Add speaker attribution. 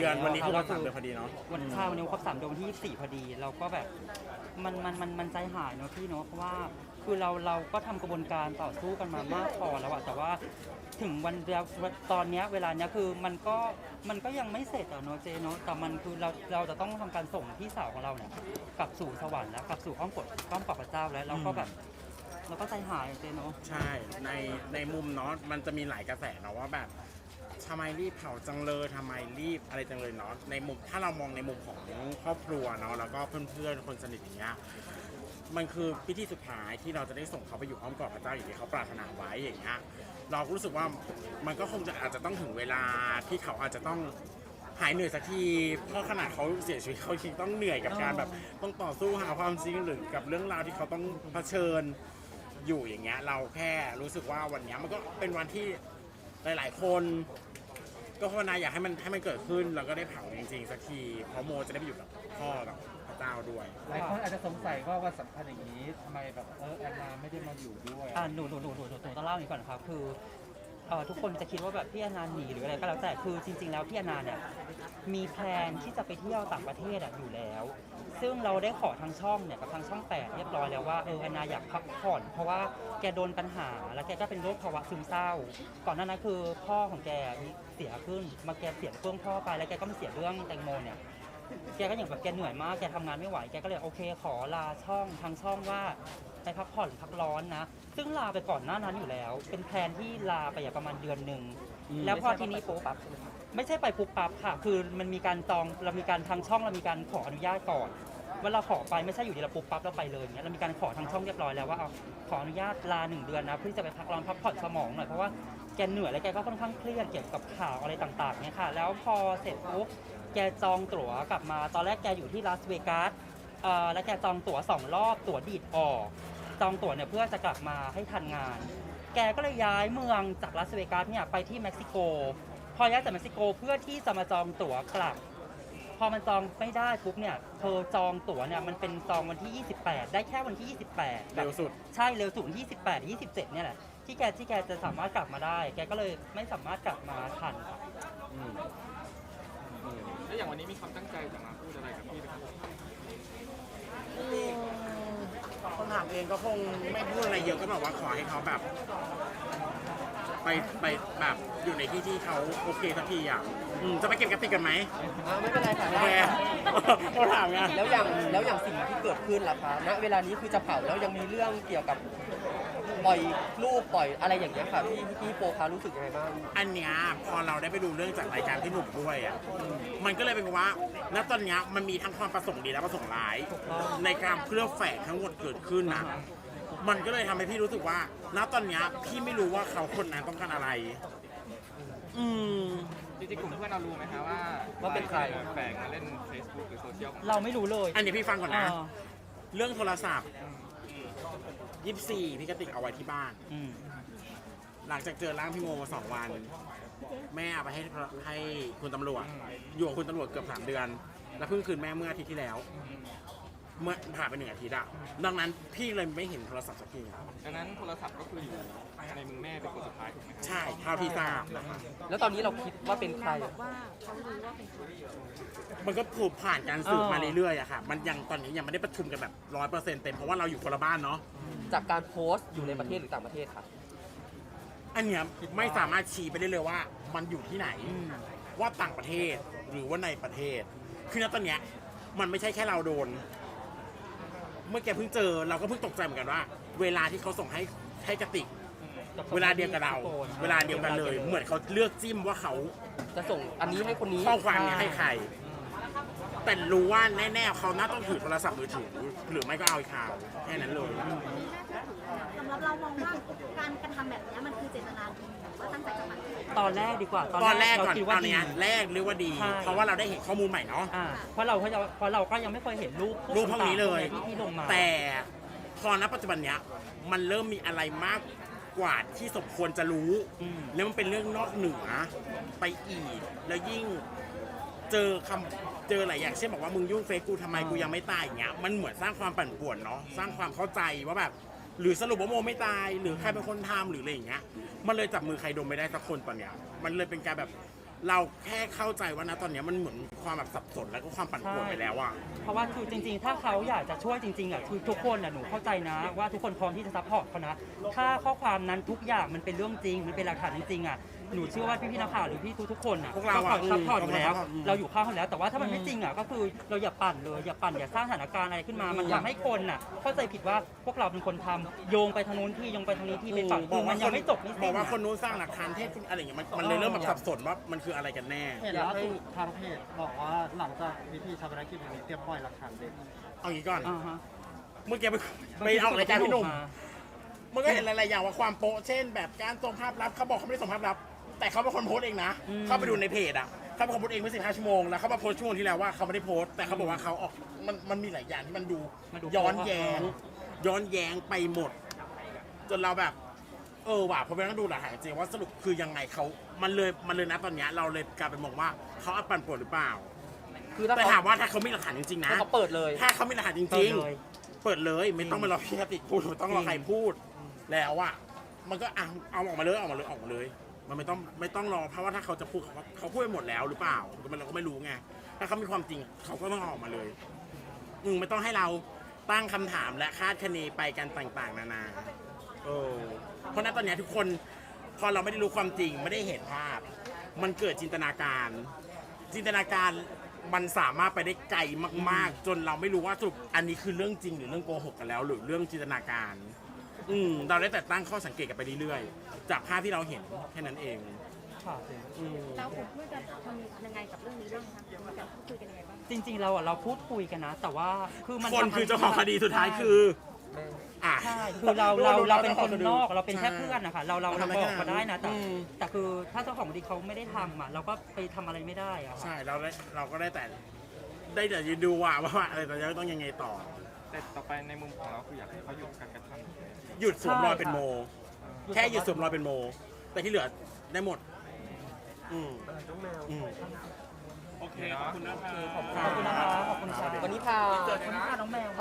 Speaker 1: เดือนวันนี้คือวัน3 เดือนพอดีเนาะ
Speaker 2: วันข้าววันนี้ครบ3 เดือนวันที่24พอดีเราก็แบบมันใจหายเนาะพี่เนาะเพราะว่าคือเราก็ทำกระบวนการต่อสู้กันมามากพอแล้วอะแต่ว่าถึงวันเดียวตอนเนี้ยเวลาเนี้ยคือมันก็ยังไม่เสร็จอะเนาะเจเนาะแต่มันคือเราจะต้องทำการส่งพี่สาวของเราเนี่ยกลับสู่สวรรค์แล้วกลับสู่อ้อมกอดพระเจ้าแล้วเราก็แบบเราก็ใจหายเจเนาะ
Speaker 1: ใช่ในมุมเนาะมันจะมีหลายกระแสเนาะว่าแบบทำไมรีบเผาจังเลยทำไมรีบอะไรจังเลยเนาะในมุมถ้าเรามองในมุมของครอบครัวเนาะแล้วก็เพื่อนๆคนสนิทอย่างเงี้ยมันคือพิธีสุดท้ายที่เราจะได้ส่งเขาไปอยู่อ้อมกอดพระเจ้าอย่างที่เขาปรารถนาไว้อย่างเงี้ยเราก็รู้สึกว่ามันก็คงจะอาจจะต้องถึงเวลาที่เขาอาจจะต้องหายเหนื่อยสักทีเพราะขนาดเขาเสียชีวิตเขายังต้องเหนื่อยกับการแบบต้องต่อสู้หาความจริงหรือกับเรื่องราวที่เขาต้องเผชิญอยู่อย่างเงี้ยเราแค่รู้สึกว่าวันนี้มันก็เป็นวันที่หลายๆคนก็ภาวนาอยากให้มันเกิดขึ้นแล้วก็ได้เผาจริงๆสักทีเพราะโมจะได้ไปอยู่กับพ่อกับพระเจ้าด้วย
Speaker 3: หลายคนอาจจะสงสัยว่าวันสำคัญอย่างนี้ทำไมแบบแอนนาไม่ได้มาอยู่ด้วย
Speaker 2: หนูต้องเล่าอย่างนี้ก่อนครับคือทุกคนจะคิดว่าแบบพี่อนันต์หนีหรืออะไรก็แล้วแต่คือจริงๆแล้วพี่อนันต์เนี่ยมีแพลนที่จะไปเที่ยวต่างประเทศอยู่แล้วซึ่งเราได้ขอทางช่องเนี่ยกับทางช่อง8เรียบร้อยแล้วว่าแอนนาอยากพักผ่อนเพราะว่าแกโดนปัญหาแล้วแกก็เป็นโรคภาวะซึมเศร้าก่อนหน้านั้นคือพ่อของแกเสียขึ้นมาแกเสียเรื่องพ่อไปแล้วแกก็มาเสียเรื่องแตงโมเนี่ยแกก็อย่างแบบแกเหนื่อยมากแกทำงานไม่ไหวแกก็เลยโอเคขอลาช่องทางช่องว่าไปพักผ่อนพักร้อนนะซึ่งลาไปก่อนหน้านั้นอยู่แล้วเป็นแพลนที่ลาไปอย่างประมาณเดือนหนึ่งแล้วพอทีนี้ปุ๊บไม่ใช่ไปปุ๊บปั๊บค่ะคือมันมีการจองเรามีการทางช่องเรามีการขออนุญาตก่อนเวลาขอไปไม่ใช่อยู่ดีเราปุ๊บปั๊บเราไปเลยอย่างเงี้ยเรามีการขอทางช่องเรียบร้อยแล้วว่าเอาขออนุญาตลา1 เดือนนะเพื่อจะไปพักร้อนพักผ่อนสมองหน่อยเพราะว่าแกเหนื่อยและแกก็ค่อนข้างเครียดเกี่ยวกับข่าวอะไรต่างๆเนี่ยค่ะแล้วพอเสร็จปุ๊บแกจองตั๋วกลับมาตอนแรกแกอยู่ที่ลาสเวกัสแล้วแกจองตั๋ว2 รอบตั๋วดีดออกจองตั๋วเนี่ยเพื่อจะกลับมาให้ทันงานแกก็เลยย้ายเมืองจากลาสเวกัสเนี่ยไปที่เม็กซิโกพอย้ายจากเม็กซิโกเพื่อที่จะมาจองตั๋วกลับพอมันจองไม่ได้ปุ๊บเนี่ยเธอจองตั๋วเนี่ยมันเป็นจองวันที่28ได้แค่วันที่28
Speaker 1: เร็วสุด
Speaker 2: ใช่เร็วสุด28 27เนี่ยแหละที่แกจะสามารถกลับมาได้แกก็เลยไม่สามารถกลับมาทันครับ
Speaker 4: แล้วอย่างวันนี้มีความตั้งใจจะมาพูดอะไรกับพี่ไหมครับ
Speaker 1: คนถามเองก็คงไม่พูดอะไรเยอะก็บอกว่าขอให้เขาแบบไปแบบอยู่ในที่เขาโอเคสักทีอ่ะจะไปเก็บกระติกกันไหม
Speaker 5: ไม่เป็นไรค่ะ
Speaker 1: โอเคเขาถามไง
Speaker 5: แล้วอย่างสิ่งที่เกิดขึ้นล่ะคะณเวลานี้คือจะเผาแล้วยังมีเรื่องเกี่ยวกับปล่อยรูปปล่อยอะไรอย่างเงี้ยค่ะพี่โปคะรู้สึกยังไงบ้าง
Speaker 1: อันเนี้ยพอเราได้ไปดูเรื่องจากรายการที่หนุ่มด้วยอ่ะมันก็เลยเป็นว่าณตอนเนี้ยมันมีทั้งความประสงค์ดีและประสงค์ร้ายในการเคลือบแฝงทั้งหมดเกิดขึ้นนะมันก็เลยทำให้พี่รู้สึกว่าณตอนเนี้ยพี่ไม่รู้ว่าเขาคนนั้นต้องการอะไร
Speaker 4: จริงๆกลุ่มเพื่อนเรารู้ไหมคะว่า
Speaker 5: เป็นใคร
Speaker 4: แฝงมาเล่น Facebook หรือโซเชียล
Speaker 2: เราไม่รู้เลย
Speaker 1: อันนี้พี่ฟังก่อนนะเรื่องโทรศัพท์24พี่กติกเอาไว้ที่บ้านหลังจากเจอร่างพี่โมมา2 วันแม่เอาไปให้คุณตำรวจอยู่กับคุณตำรวจเกือบ3 เดือนแล้วเพิ่งคืนแม่เมื่ออาทิตย์ที่แล้วเมื่อผ่านไป1 อาทิตย์ดังนั้นพี่เลยไม่เห็นโทรศัพท์สักที
Speaker 4: ดังนั้นโทรศัพท์ก็คืออยู่ในมือแม่เป็นคนสุดท้ายถูกไหมครับ
Speaker 1: ใช่เท่าที่ทราบนะครับ
Speaker 5: แล้วตอนนี้เราคิดว่าเป็นใคร
Speaker 1: มันก็ถูกผ่านการสืบมาเรื่อยๆอะค่ะมันยังตอนนี้ยังไม่ได้ประชุมกันแบบ100%เต็มเพราะว่าเราอยู่คนละบ้านเนาะ
Speaker 5: จากการโพสต์อยู่ในประเทศหรือต่างประเทศครับ
Speaker 1: อันเนี้ยไม่สามารถชี้ไปได้เลยว่ามันอยู่ที่ไหนว่าต่างประเทศหรือว่าในประเทศคือณตอนเนี้ยมันไม่ใช่แค่เราโดนเมื่อแกเพิ่งเจอเราก็เพิ่งตกใจเหมือนกันว่าเวลาที่เขาส่งให้กระติกเวลาเดียวกับเราเวลาเดียวกันเลยเหมือนเขาเลือกจิ้มว่าเขา
Speaker 5: จะส่งอันนี้ให้คนนี้
Speaker 1: ข้อความนี้ให้ใครแต่รู้ว่าแน่ๆเขาน่าต้องถือโทรศัพท์มือถือหรือไม่ก็เอาข่าวแค่นั้นเลย
Speaker 6: สำหรับเรามองว่าการกระทำแบบนี้มันคือเจตนาดีหรือว่าตั้งใจจะมา
Speaker 2: ตอนแรกดีกว่า
Speaker 1: ตอนแรกก่อนตอนนี้แรกหรือว่าดีเพราะว่าเราได้เห็นข้อมูลใหม่เนาะ
Speaker 2: เพราะเราก็ยังไม่เคยเห็นรูป
Speaker 1: พวกนี้เลย
Speaker 2: ที่ลงมา
Speaker 1: แต่พอณปัจจุบันเนี้ยมันเริ่มมีอะไรมากกว่าที่สมควรจะรู้แล้วมันเป็นเรื่องนอกเหนือไปอีกแล้วยิ่งเจอหลายอย่างเช่นบอกว่ามึงยุ่งเฟซกูทำไมกูยังไม่ตายอย่างเงี้ยมันเหมือนสร้างความปั่นป่วนเนาะสร้างความเข้าใจว่าแบบหรือสรุปว่าโมไม่ตายหรือใครเป็นคนทำหรืออะไรอย่างเงี้ยมันเลยจับมือใครดมไม่ได้สักคนตอนเนี้ยมันเลยเป็นการแบบเราแค่เข้าใจว่านะตอนเนี้ยมันเหมือนความแบบสับสนแล้วก็ความปั่นป่วนไปแล้วอ่ะ
Speaker 2: เพราะว่าคือจริงๆ ถ้าเขาอยากจะช่วยจริงๆอ่ะคือทุกคนอ่ะหนูเข้าใจนะว่าทุกคนพร้อมที่จะซัพพอร์ตเขานะถ้าข้อความนั้นทุกอย่างมันเป็นเรื่องจริงมันเป็นหลักฐานจริงๆอ่ะหนูเชื่อว่าพี่ๆนักข่าวหรือพี่ทุกๆคนอ่ะ
Speaker 1: พวกเรา
Speaker 2: ก็
Speaker 1: อะ
Speaker 2: ซัพพอร์ตอยู่แล้ว
Speaker 1: อืม
Speaker 2: เราอยู่ข้างเขาแล้วแต่ว่าถ้ามันไม่จริงอ่ะก็คือเราอย่าปั่นเลยอย่าปั่นอย่าสร้างสถานการณ์อะไรขึ้นมา มันทำให้คนอ่ะเข้าใจผิดว่าพวกเราเป็นคนทำโยงไปทางนู้นที่โยงไปทางนี้ที่ไปฝั่งคือมันยังไม่จบไม่
Speaker 1: บ
Speaker 2: สิ้
Speaker 1: อก
Speaker 2: น
Speaker 1: ว่า
Speaker 2: อะ
Speaker 1: คนนู้นสร้างหลักฐานเท็จอะไรอย่างเงี้ยมันเลยเริ่มแบบสับสนว่ามันคืออะไรกันแน่
Speaker 7: เห็นล่าสุดทางเพจบอกว่าหลังจากพิธีชาปนกิจวันนี้เตรียมปล่อยหลักฐานเด็ด
Speaker 1: เอางี้ก่อน
Speaker 2: อ่าฮะ
Speaker 1: เมื่อกี้ไปออกรายการพี่หนุ่มมันก็เห็นหลายๆอย่างว่าความโป๊ะเช่น แบบการส่งภาพลับเขาบอกเขาไม่ได้ส่งภาพลับ แต่เขาเป็นคนโพสต์เองนะ เข้าไปดูในเพจอ่ะเขาเป็นคนโพสต์เองเมื่อ15 ชั่วโมงแล้วเขามาโพสต์ช่วงที่แล้วว่าเขาไม่ได้โพสต์แต่เขาบอกว่าเขาออกมันมีหลายอย่างที่มันดูย้อนแย้งไปหมด จนเราแบบว่ะพอไปนั่งดูหลักฐานจริงว่าสรุปคือยังไงเขามันเลยนะตอนเนี้ยเราเลยกลายเป็นมองว่าเขาอัดปั่นป่วนหรือเปล่า
Speaker 5: คือถ้า
Speaker 1: แต่
Speaker 5: เขา
Speaker 1: ถามว่าถ้าเขามีหลักฐานจริงๆนะ
Speaker 5: ถ้าเขาเปิดเลย
Speaker 1: ถ้าเขามีหลักฐานจ
Speaker 2: เปิ
Speaker 1: ริ
Speaker 2: ด
Speaker 1: ง
Speaker 2: เลย
Speaker 1: ๆ เปิดเลยไม่ต้องมารอพี่กติกพูดไม่ต้องรอใครพูด แล้วอ่ะมันก็เอาออกมาเลยมันไม่ต้องรอเพราะว่าถ้าเขาจะพูดเขาพูดไปหมดแล้วหรือเปล่าเราก็ไม่รู้ไงถ้าเขามีความจริงเขาก็ต้องเอาออกมาเลยไม่ต้องให้เราตั้งคำถามและคาดคะเนไปกันต่างๆนานาเพราะนั้นตอนเนี้ยทุกคนพอเราไม่ได้รู้ความจริงไม่ได้เห็นภาพ มันเกิดจินตนาการมันสามารถไปได้ไกลมากๆ จนเราไม่รู้ว่าสรุปอันนี้คือเรื่องจริงหรือเรื่องโกหกกันแล้ว หรือเรื่องจินตนาการเราได้แต่ตั้งข้อสังเกตกันไปเรื่อยๆจากภาพที่เราเห็นแค่นั้นเอง
Speaker 2: ค่ะ
Speaker 6: เราผมเพื่อจะทำยังไงกับเรื่องนี้บ้างคะมีการพูดคุยกันยังไงบ้าง
Speaker 2: จริงๆเราพูดคุยกันนะ แต่ว่าคือมัน
Speaker 1: คนคือเจ้าของคดีสุดท้ายคืออ่ะ
Speaker 2: ใช่คือเราเป็นคนนอกเราเป็นแค่
Speaker 1: ใช่
Speaker 2: เพื่อนนะคะเรา
Speaker 1: ทำไม่
Speaker 2: บ
Speaker 1: ได้
Speaker 2: อกเขาได้นะแต่
Speaker 1: อืม
Speaker 2: แต่คือถ้าเจ้าของคดีเขาไม่ได้ทำอ่ะเราก็ไปทำอะไรไม่ได้อะค่ะ
Speaker 1: ใช่เราก็ได้แต่ยืนดูว่าอะไรต่อจะต้องยังไงต่อ
Speaker 4: แต่ต่อไปในมุมของเราคืออยากให้เขาหยุดการกระทำ
Speaker 1: หยุดสวมรอยเป็นโม แค่หยุดสวมรอยเป็นโม แต่ที่เหลือได้หมดโอเคขอบคุณนะครับ
Speaker 2: ขอบคุณนะคะขอบคุณค่ะ
Speaker 5: วันนี้พา
Speaker 2: ขอบคุณค่ะน้องแมว